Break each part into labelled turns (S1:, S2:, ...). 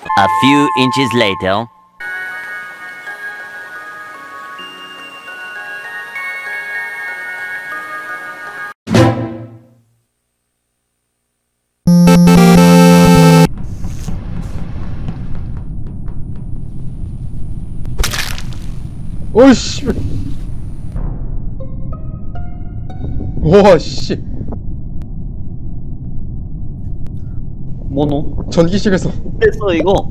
S1: A few inches later.
S2: 오이씨. 와, 씨.
S3: 뭐노?
S2: 전기실에서.
S3: 됐어 이거.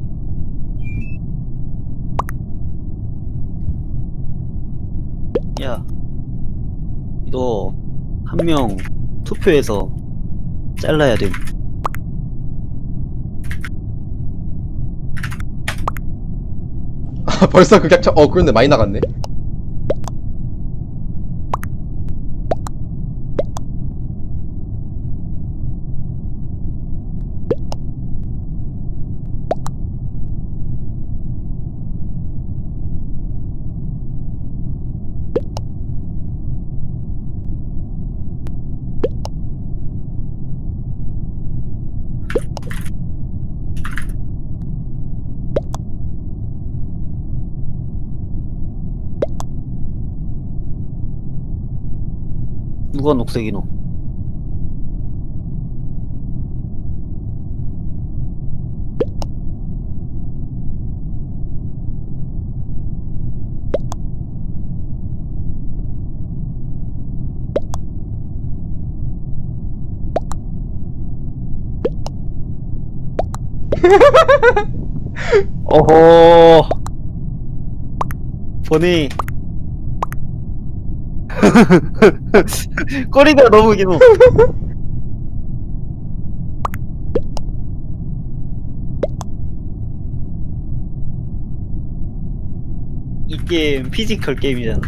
S3: 야, 이거 한 명 투표해서 잘라야 돼.
S2: 아, 벌써 극약차. 그런데 많이 나갔네.
S3: 누가 녹색이노? 어허. 보니. 꼬리가 너무 기노. 이 게임 피지컬 게임이잖아.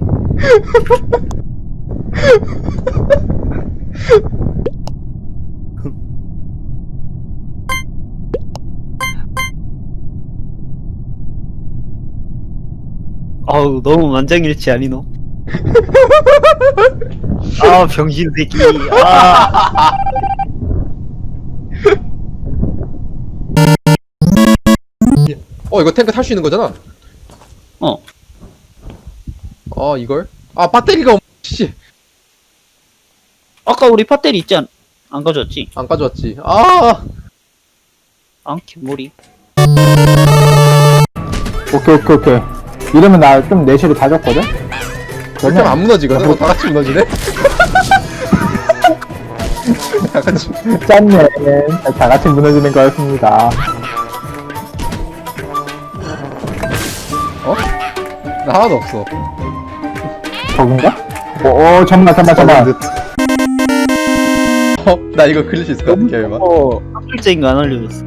S3: 아우 너무 만장일치 아니노? 아 병신 새끼. 아.
S2: 이거 탱크 탈 수 있는 거잖아. 이걸? 배터리가 씨.
S3: 아까 우리 팟텔 있지 안 가져왔지?
S2: 안 가져왔지.
S3: 개머리.
S4: 오케이. 이러면 나 좀 내실을 다 줬거든?
S2: 그렇게 하면 안 무너지거든? 다 같이 무너지네? 다 같이.
S4: 짠네. 다 같이 무너지는 거였습니다.
S2: 나 하나도 없어.
S4: 저건가? 잠깐만.
S2: 나 이거 클릴 수 있을 것 같아, 기회만.
S3: 학술적인 거 안 알려줬어.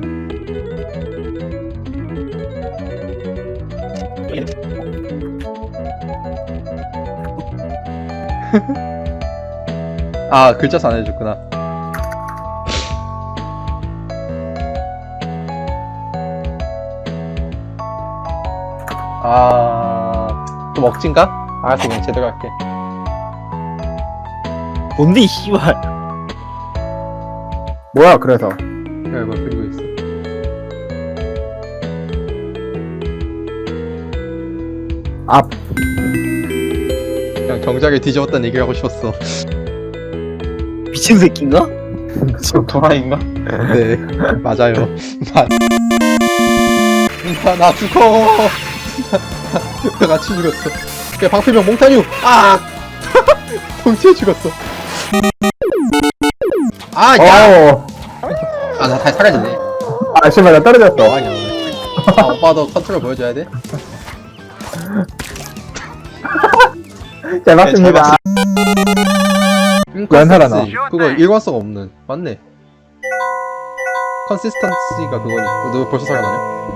S2: 글자수 안 해줬구나. 좀 억진가? 알았어, 그냥 제대로 할게.
S3: 뭔데 이 씨발.
S4: 뭐야, 그래서.
S2: 그래, 뭐, 그리고 있어.
S4: 앞.
S2: 그냥 정작에 뒤집었다는 얘기를 하고 싶었어.
S3: 미친 새끼인가?
S4: 지금 도라인가?
S2: 네, 맞아요. 나 죽어! 나 같이 죽었어. 그냥 방패병 몽타뉴! 동시에 죽었어. 야! 나 다시 사라지네.
S4: 씨발, 나 떨어졌어.
S2: 뭐하냐, 오빠도 컨트롤 보여줘야 돼?
S4: 잘 봤습니다. 왜 살아나?
S2: 그거 일관성 없는. 맞네. 컨시스턴시가 그거니. 너 벌써 살아나냐?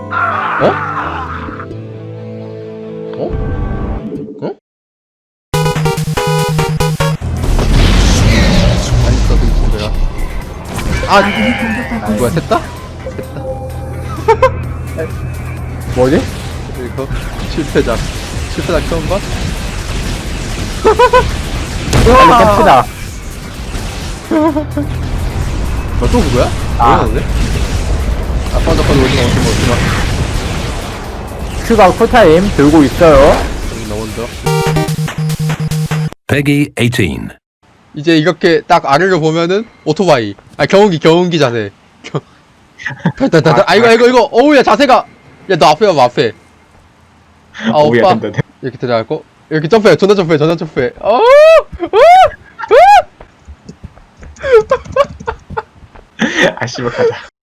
S2: 맛있어, 그 친구야. 뭐야, 샜다?
S4: 뭐지?
S2: 이거 실패작 처음 봐?
S4: 빨리 깹시다.
S2: 너 또 그거야?
S4: 아.
S2: 뭐였는데? 꺼져 오지마.
S4: 추가 쿨타임 들고 있어요.
S2: 나 먼저.
S5: Peggy 18.
S2: 이제 이렇게 딱 아래를 보면은 오토바이. 아 경운기 자세. 달달달달. 아 이거. 어우야 자세가. 야 너 앞에 와봐 앞에. 아 오빠. 이렇게 들어가고 이렇게 점프해. 전화 점프해.
S6: 아 씨발 가자.